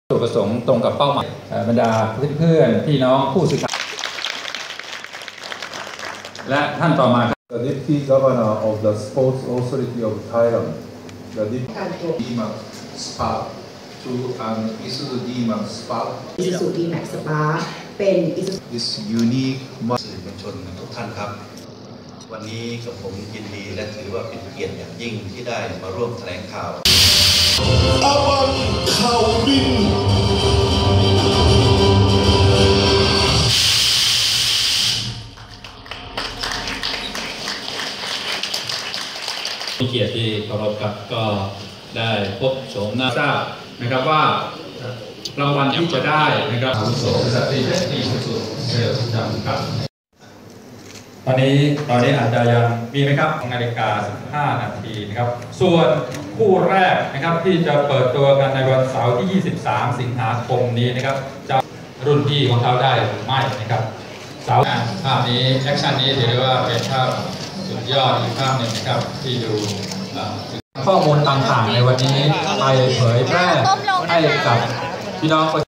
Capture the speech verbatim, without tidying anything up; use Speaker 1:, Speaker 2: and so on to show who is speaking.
Speaker 1: จุดประสงค์ตรงกับเป้าหมายบรรดาเพื่อนๆพี่น้องผู้สื่อข่าวและท่านต่อมา
Speaker 2: The Deputy Governor of the Sports Authority of Thailand, the Deputy D-Max Spark to an Isuzu D-Max Spark.
Speaker 3: Isuzu D-Max Spark เป็น
Speaker 2: This unique
Speaker 4: สื่อมวลชนทุกท่านครับวันนี้กับผมยินดีและถือว่าเป็นเกียรติอย่างยิ่งที่ได้มาร่วมแถลงข่าว
Speaker 5: อาวันข่าวบิน
Speaker 1: เกียรติที่เคารพครับก็ได้พบโฉมหน้าทราบนะครับว่ารางวัลที่จะได้นะครับอาวุโสบริษัทที่ที่สุดเซลล์จำกัดตอนนี้ตอนนี้อาจจะยังมีไหมครับนาฬิกาสิบห้านาทีนะครับส่วนคู่แรกนะครับที่จะเปิดตัวกันในวันเสาร์ที่ยี่สิบสามสิงหาคมนี้นะครับจะรุ่นพี่ของเขาได้หรือไม่นะครับเสาร์ภาพนี้แอคชั่นนี้ถือว่าเป็นภาพสุดยอดอีกภาพหนึ่งนะครับที่ดูข้อมูลต่างๆในวันนี้ไปเผยแพร่ให้กับพี่น้อง